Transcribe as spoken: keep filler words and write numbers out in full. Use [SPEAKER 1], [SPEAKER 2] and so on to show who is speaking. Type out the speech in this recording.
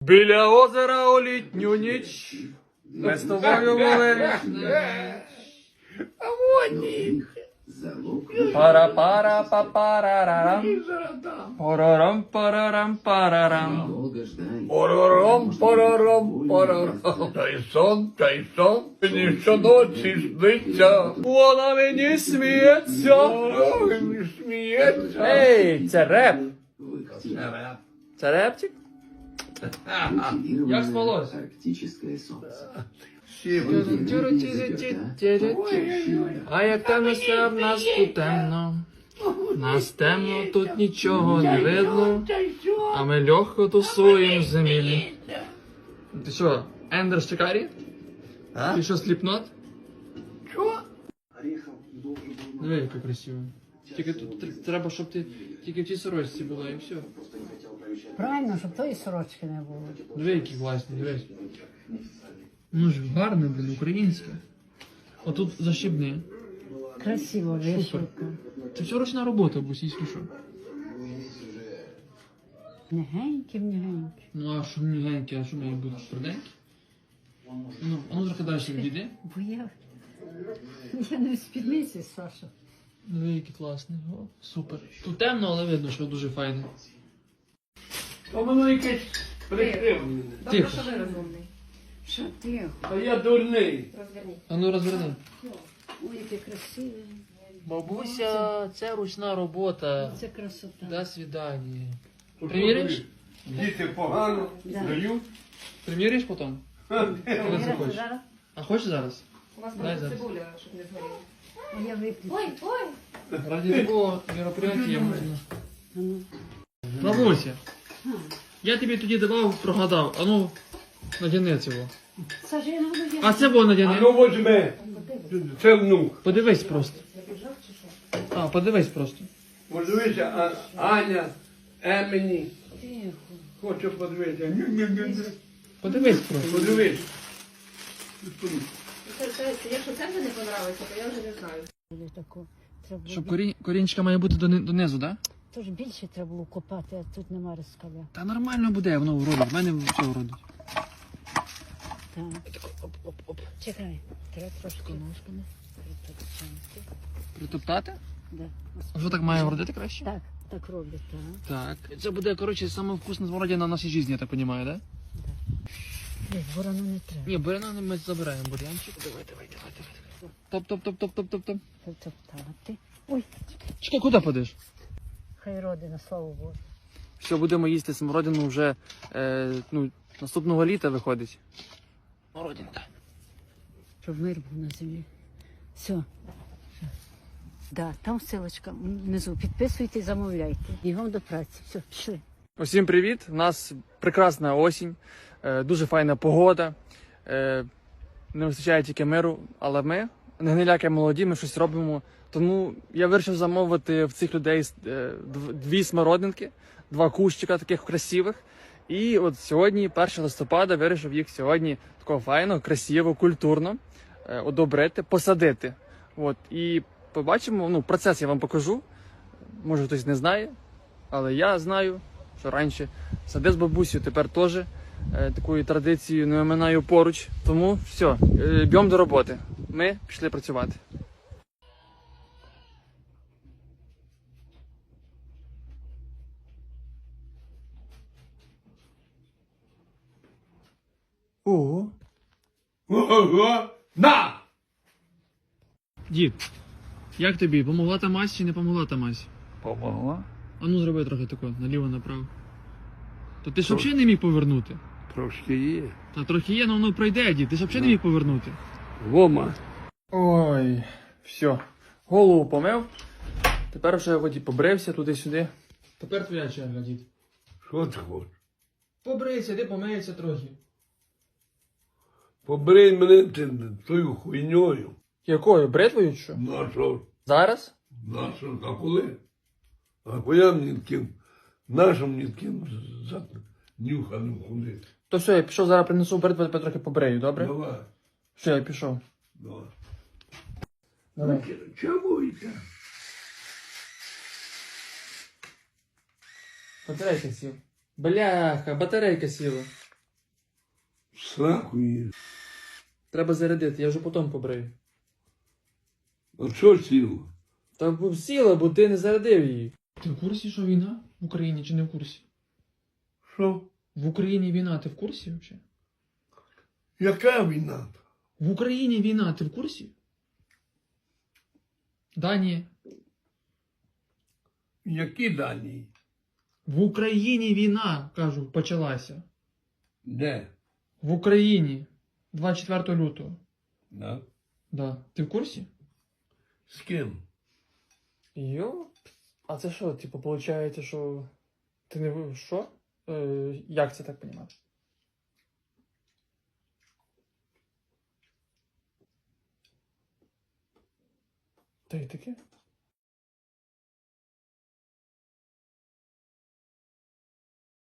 [SPEAKER 1] Біля озера у літню ніч ми з тобою були.
[SPEAKER 2] А вони.
[SPEAKER 1] Пара-пара па-парарарам. Парарам парарам парарам.
[SPEAKER 2] Парарам, парарам, парарам. Та й сон, та й сон. Мені щоночі сниться.
[SPEAKER 1] Вона мені сміється.
[SPEAKER 2] Ой, не сміється.
[SPEAKER 1] Ей, це реп. Це репчик? Як спалось?
[SPEAKER 3] Арктическое солнце.
[SPEAKER 1] А як темно все в нас тут темно. Нас темно, тут нічого не видно. А ми легко тусуємо в землі. Ти що, Ендер Шикарі?
[SPEAKER 2] А?
[SPEAKER 1] Ти що, сліпнот?
[SPEAKER 2] Що?
[SPEAKER 1] Диви, яка красиво. Тільки тут тр- треба, щоб ти тільки в тій сорочці була і все.
[SPEAKER 4] Правильно, щоб тої сорочки не було.
[SPEAKER 1] Диви, які класні, дивись. Ну ж гарне, блін, українське. Отут защібне.
[SPEAKER 4] Красиво, вишивка.
[SPEAKER 1] Це все ручна робота, бусійські що.
[SPEAKER 4] Негенькі, негенькі.
[SPEAKER 1] Ну а що мігенькі, а що має бути тверденькі? Ну, а ну трохи далі відійди.
[SPEAKER 4] Бо я, я не в спідниці, Саша.
[SPEAKER 1] Диви, який класний. О, супер. Тут темно, але видно, що дуже файне.
[SPEAKER 2] То воно якесь прикривлене.
[SPEAKER 1] Тихо.
[SPEAKER 5] Що ви розумний?
[SPEAKER 4] Що ти?
[SPEAKER 2] Та я дурний.
[SPEAKER 5] Розверніть.
[SPEAKER 1] А ну розверни.
[SPEAKER 4] Ой, яке красиве.
[SPEAKER 1] Бабуся, це ручна робота.
[SPEAKER 4] Це красота.
[SPEAKER 1] До свидання. Приміриш?
[SPEAKER 2] Діти погано
[SPEAKER 4] Да.
[SPEAKER 2] дають.
[SPEAKER 1] Приміриш потім? Коли
[SPEAKER 4] Віра,
[SPEAKER 1] захочеш.
[SPEAKER 4] зараз?
[SPEAKER 1] А хочеш зараз?
[SPEAKER 5] У вас
[SPEAKER 1] Дай
[SPEAKER 5] просто
[SPEAKER 1] зараз.
[SPEAKER 5] цибуля, щоб не згоріла.
[SPEAKER 4] А я виключу.
[SPEAKER 5] Ой, ой!
[SPEAKER 1] Ради такого мероприятия можна.
[SPEAKER 4] А ну.
[SPEAKER 1] Бабуся, я тобі тоді давав, прогадав. А ну, надяни цього.
[SPEAKER 4] Саша, я не буду я.
[SPEAKER 1] А це було
[SPEAKER 2] А
[SPEAKER 1] надяни.
[SPEAKER 2] ну возьми. Це внук.
[SPEAKER 1] Подивись просто. А, подивись просто.
[SPEAKER 2] Подивися, а Аня, Емені.
[SPEAKER 4] Тихо.
[SPEAKER 2] Хочу подивитися. Ню-ню-ню-ню.
[SPEAKER 1] Подивись просто.
[SPEAKER 2] Подивись.
[SPEAKER 5] Це- це- Якщо це вже не понравиться, то я вже не знаю.
[SPEAKER 4] Було тако. Треба
[SPEAKER 1] Щоб
[SPEAKER 4] було...
[SPEAKER 1] корінь, корінчика має бути дони- донизу, так? Да?
[SPEAKER 4] Тож більше треба було копати, а тут нема розкаля.
[SPEAKER 1] Та нормально буде, воно вродить. В мене все вродить.
[SPEAKER 4] Так.
[SPEAKER 1] Оп-оп-оп.
[SPEAKER 4] Чекай. Треба трошки ножками притопчати.
[SPEAKER 1] Притоптати?
[SPEAKER 4] Да.
[SPEAKER 1] А що так має вродити краще?
[SPEAKER 4] Так, так роблять, так.
[SPEAKER 1] Так. Це буде, коротше, саме вкусна смородина в нашій житті, я так розумію, так? Да?
[SPEAKER 4] Ні, ворону не треба.
[SPEAKER 1] Ні, буряна ми забираємо бурянчик. Давай, давай, давай, давай. Топ, топ, топ, топ, топ, топ, топ.
[SPEAKER 4] Притоптати. Ой,
[SPEAKER 1] Чекай, куди подиш?
[SPEAKER 4] хай родина, слава Богу.
[SPEAKER 1] Все, будемо їсти смородину вже е, ну, наступного літа виходить. Смородинка.
[SPEAKER 4] Щоб мир був на землі. Все. Да, там ссылочка внизу. Підписуйте, замовляйте. Бігом до праці. Все, пішли.
[SPEAKER 1] Усім привіт! У нас прекрасна осінь, е, дуже файна погода. Е, не вистачає тільки миру, але ми, не гниляки молоді, ми щось робимо. Тому я вирішив замовити в цих людей е, дв- дві смородинки, два кущика таких красивих. І от сьогодні, першого листопада, вирішив їх сьогодні такого файно, красиво, культурно е, одобрити, посадити. От, і побачимо, ну, процес я вам покажу. Може хтось не знає, але я знаю, що раніше садив з бабусею, тепер теж е, такою традицією не оминаю поруч. Тому все, е, б'ємо до роботи. Ми пішли працювати. Ого.
[SPEAKER 2] Ого! На!
[SPEAKER 1] Дід, як тобі? Помогла та мазь чи не помогла та мазь?
[SPEAKER 2] Помогла?
[SPEAKER 1] А ну зроби трохи тако, наліво, направо. То ти ж взагалі не міг повернути?
[SPEAKER 2] Трошки є.
[SPEAKER 1] Та трохи є, але воно пройде, дід. Ти ж взагалі не міг повернути.
[SPEAKER 2] Вома.
[SPEAKER 1] Ой, все. Голову помив. Тепер вже воді побрився туди-сюди. Тепер твоя черга, дід.
[SPEAKER 2] Що ти хочеш?
[SPEAKER 1] Побрийся, ти помиється трохи.
[SPEAKER 2] Побрий мене ти тою хуйньою.
[SPEAKER 1] Якою? Бритвою чи що?
[SPEAKER 2] На що?
[SPEAKER 1] Зараз?
[SPEAKER 2] На що? А коли? А коли мені таким, нашим мені таким за нюханим ходити?
[SPEAKER 1] То все, я пішов, зараз принесу бритву, тебе трохи побрею, добре?
[SPEAKER 2] Давай.
[SPEAKER 1] Все, я пішов.
[SPEAKER 2] Давай.
[SPEAKER 1] Давай.
[SPEAKER 2] Чому йде?
[SPEAKER 1] Батарейка сіла. Бляха, батарейка сіла.
[SPEAKER 2] Сраку її.
[SPEAKER 1] Треба зарядити, я вже потім побрию.
[SPEAKER 2] А що сіло?
[SPEAKER 1] Та б сіла, бо ти не зарядив її. Ти в курсі, що війна в Україні чи не в курсі?
[SPEAKER 2] Що?
[SPEAKER 1] В Україні війна, ти в курсі взагалі?
[SPEAKER 2] Яка війна?
[SPEAKER 1] В Україні війна, ти в курсі? Да, ні.
[SPEAKER 2] Які дані?
[SPEAKER 1] В Україні війна, кажу, почалася.
[SPEAKER 2] Де?
[SPEAKER 1] В Україні. двадцять четвертого лютого.
[SPEAKER 2] Да?
[SPEAKER 1] Да. Ти в курсі?
[SPEAKER 2] З ким?
[SPEAKER 1] Йо? А це що, типу, виходить, що ти не ви- що? Е, як це так понімати? Та й таке?